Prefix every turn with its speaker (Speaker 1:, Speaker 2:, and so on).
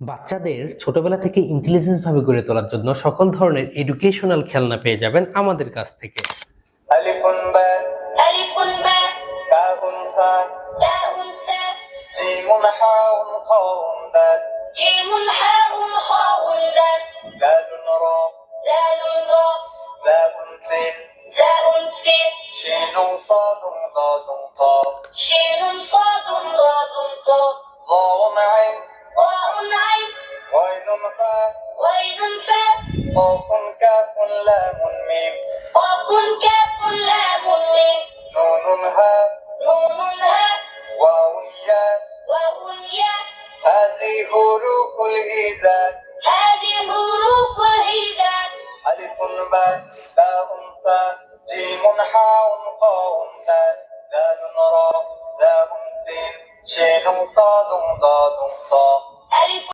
Speaker 1: বাচ্চাদের ছোটবেলা থেকে ইন্টেলিজেন্স ভাবে গড়ে তোলার জন্য সকল ধরনের এডুকেশনাল খেলনা পেয়ে যাবেন আমাদের কাছ থেকে।
Speaker 2: আলিফুন বা আলিফুন বা কাফুন ফা কাফুন ফা জিমুন হাউন খাউন দাল জিমুন হাউন খাউন দাল লালুন রা লালুন রা লাউন সিন লাউন সিন শিনুন সাদুন দাদুন তা শিনুন সাদুন দাদুন তা ضاء عين ضاء عين غين فاء غين فاء قاف كاف لام ميم قاف كاف لام ميم نون هاء نون هاء واو ياء واو ياء هذه حروف الهجاء هذه حروف الهجاء ألف باء تاء ثاء جيم حاء قاف دال دال راء لام سين شين صاد ضاد طاء